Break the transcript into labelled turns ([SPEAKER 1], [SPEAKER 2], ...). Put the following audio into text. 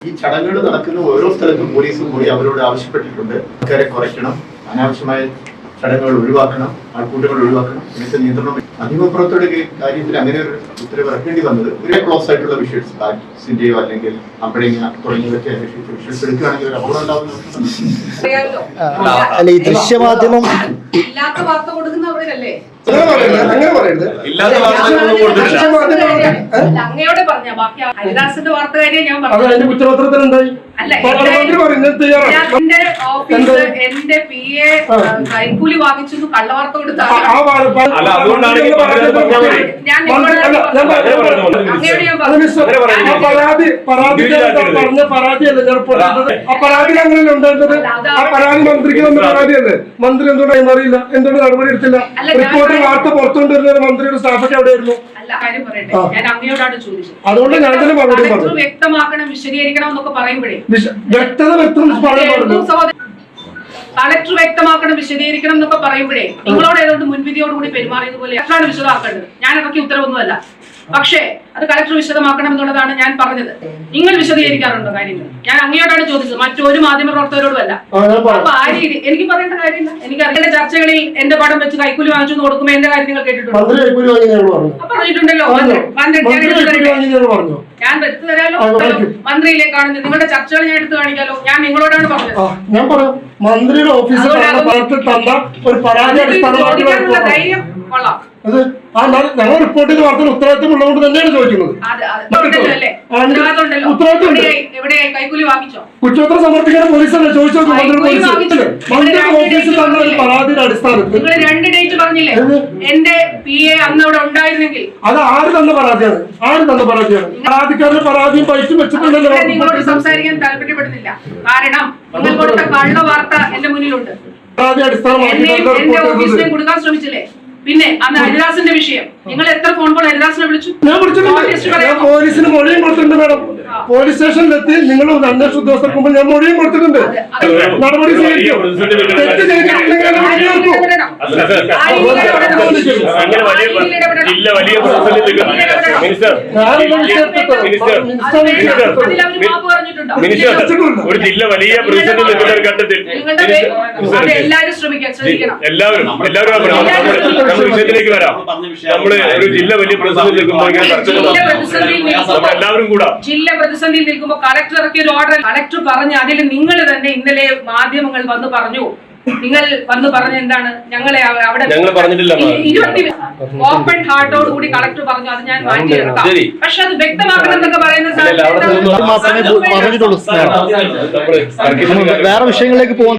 [SPEAKER 1] ഈ ചടങ്ങുകൾ നടക്കുന്ന ഓരോ സ്ഥലത്തും പോലീസും കൂടി അവരോട് ആവശ്യപ്പെട്ടിട്ടുണ്ട്. ആൾക്കാരെ കുറയ്ക്കണം, അനാവശ്യമായ ചടങ്ങുകൾ ഒഴിവാക്കണം, ആൾക്കൂട്ടങ്ങൾ ഒഴിവാക്കണം, ഇങ്ങനത്തെ നിയന്ത്രണം. മാധ്യമപ്രവർത്തകരുടെ കാര്യത്തിൽ അങ്ങനെ ഒരു ഉത്തരവ് ഇറക്കേണ്ടി വന്നത് ഒരു ക്ലോസ് ആയിട്ടുള്ള വിഷ്വൽസ് ബാറ്റ്സിന്റെയോ അല്ലെങ്കിൽ അമ്പഴങ്ങ തുടങ്ങിയതൊക്കെ അന്വേഷിച്ച് വിഷ്വൽസ് എടുക്കുകയാണെങ്കിൽ ഒരു അപകടം
[SPEAKER 2] അല്ല, ഈ ദൃശ്യമാധ്യമം
[SPEAKER 3] ഇല്ലാത്ത വാർത്ത കൊടുക്കുന്നവരല്ലേ? അങ്ങയോടെ പറഞ്ഞ ബാക്കി ഹരിദാസിന്റെ വാർത്തകാരിയെ ഞാൻ പറഞ്ഞു.
[SPEAKER 4] കുറ്റപത്രത്തിലുണ്ടായി
[SPEAKER 3] എന്റെ ഓഫീസ് എന്റെ PA കൈക്കൂലി വാങ്ങിച്ചു കള്ളവാർത്ത കൊടുത്ത
[SPEAKER 4] മന്ത്രിക്ക് തന്ന പരാതിയല്ലേ? മന്ത്രി എന്തുകൊണ്ടായി അറിയില്ല, എന്തുകൊണ്ട് നടപടി എടുത്തില്ല? റിപ്പോർട്ട് വാർത്ത പുറത്തുകൊണ്ടിരുന്ന മന്ത്രിയുടെ സ്റ്റാഫൊക്കെ എവിടെയായിരുന്നു?
[SPEAKER 3] കാര്യം പറയട്ടെ, ഞാൻ അങ്ങയോടാണ് ചോദിച്ചത്.
[SPEAKER 4] അതുകൊണ്ട് ഞാൻ തന്നെ മറുപടി പറഞ്ഞു.
[SPEAKER 3] വ്യക്തമാക്കണം, വിശദീകരിക്കണം എന്നൊക്കെ പറയുമ്പോഴേ
[SPEAKER 4] വ്യക്തത
[SPEAKER 3] കളക്ടർ വ്യക്തമാക്കണം, വിശദീകരിക്കണം എന്നൊക്കെ പറയുമ്പോഴേ നിങ്ങളോട് ഏതുകൊണ്ട് മുൻവിധിയോടുകൂടി പെരുമാറിയതുപോലെ കളക്ടറാണ് വിശദമാക്കേണ്ടത്. ഞാൻ ഇറക്കിയ ഉത്തരവൊന്നുമല്ല. പക്ഷേ അത് കളക്ടർ വിശദമാക്കണം എന്നുള്ളതാണ് ഞാൻ പറഞ്ഞത്. നിങ്ങൾ വിശദീകരിക്കാറുണ്ടോ കാര്യങ്ങൾ? ഞാൻ അങ്ങയോടാണ് ചോദിച്ചത്, മറ്റൊരു മാധ്യമ പ്രവർത്തകരോടുമല്ല. അപ്പൊ ആ രീതി എനിക്ക് പറയേണ്ട കാര്യമില്ല. എനിക്ക് അറിയേണ്ട ചർച്ചകളിൽ എന്റെ പടം വെച്ച് കൈക്കൂലി വാങ്ങിച്ചു കൊടുക്കുമ്പോ എന്റെ കാര്യം നിങ്ങൾ കേട്ടിട്ടുണ്ടോ? പറഞ്ഞിട്ടുണ്ടല്ലോ. ഞാൻ എടുത്തു തരാലോ, മന്ത്രിയിലേക്കാണ് നിങ്ങളുടെ ചർച്ചകൾ ഞാൻ എടുത്തു കാണിക്കാലോ. ഞാൻ നിങ്ങളോടാണ് പറഞ്ഞത്.
[SPEAKER 4] ഞാൻ പറയാം, മന്ത്രിയുടെ ഓഫീസിൽ
[SPEAKER 3] ധൈര്യം കൊള്ളാം.
[SPEAKER 4] ഞങ്ങൾ റിപ്പോർട്ട് ചെയ്ത വാർത്തയിൽ ഉത്തരവാദിത്തം ഉള്ളതുകൊണ്ട് തന്നെയാണ് ചോദിക്കുന്നത്. കുറ്റപത്രം സമർപ്പിക്കാൻ പോലീസല്ലേ ചോദിച്ചത്? മന്ത്രിയുടെ ഓഫീസിൽ തന്ന ഒരു പരാതിയുടെ അടിസ്ഥാനത്തിൽ
[SPEAKER 3] രണ്ട് ഡേറ്റ് പറഞ്ഞില്ലേ എന്റെ PA അന്ന് അവിടെ ഉണ്ടായിരുന്നെങ്കിൽ?
[SPEAKER 4] അത് ആര് തന്ന പരാതിയാണ്? പരാതിക്കാരുടെ പരാതിയും പൈസ വെച്ചിട്ടുണ്ടല്ലോ.
[SPEAKER 3] നിങ്ങളോട് സംസാരിക്കാൻ താല്പര്യപ്പെടുന്നില്ല. കാരണം നിങ്ങൾ കൊടുത്ത കള്ള വാർത്ത എന്റെ മുന്നിലുണ്ട്.
[SPEAKER 4] പരാതി അടിസ്ഥാനമാക്കി
[SPEAKER 3] എന്റെ ഓഫീസിനെ കൊടുക്കാൻ ശ്രമിച്ചില്ലേ? പിന്നെ അന്ന് ഹരിദാസിന്റെ വിഷയം നിങ്ങൾ എത്ര ഫോൺ കോൾ ഹരിദാസിനെ വിളിച്ചു?
[SPEAKER 4] ഞാൻ വിളിച്ചിട്ടുണ്ട്. ഞാൻ പോലീസിന് മൊഴിയും കൊടുത്തിട്ടുണ്ട് മാഡം. പോലീസ് സ്റ്റേഷനിലെത്തി നിങ്ങൾ അന്വേഷണ ഉദ്യോഗസ്ഥർക്ക് മുമ്പ് ഞാൻ മൊഴിയും കൊടുത്തിട്ടുണ്ട്. നടപടി സ്വീകരിക്കും. തെറ്റ് ചെയ്തിട്ടുണ്ടെങ്കിൽ
[SPEAKER 5] ഒരു ജില്ല വലിയ പ്രതിസന്ധി നിൽക്കുന്ന ഒരു ഘട്ടത്തിൽ എല്ലാവരും വിഷയത്തിലേക്ക് വരാം. നമ്മള് ഒരു ജില്ല വലിയ പ്രതിസന്ധി നിൽക്കുമ്പോൾ എല്ലാവരും കൂടാ
[SPEAKER 3] ജില്ല പ്രതിസന്ധിയിൽ നിൽക്കുമ്പോൾ കളക്ടർ ഇറക്കിയ ഒരു ഓർഡർ കളക്ടർ പറഞ്ഞു. അതിൽ നിങ്ങൾ തന്നെ ഇന്നലെ മാധ്യമങ്ങൾ വന്ന് പറഞ്ഞു. നിങ്ങൾ വന്ന് പറഞ്ഞ എന്താണ്? ഞങ്ങളെ അവിടെ ഓപ്പൺ ഹാർട്ടോട് കൂടി കളക്ടർ പറഞ്ഞു. അത് ഞാൻ മാറ്റിയെടുക്കാം. പക്ഷെ അത് വ്യക്തമാക്കണം എന്നൊക്കെ പറയുന്ന
[SPEAKER 2] വേറെ വിഷയങ്ങളിലേക്ക് പോകും.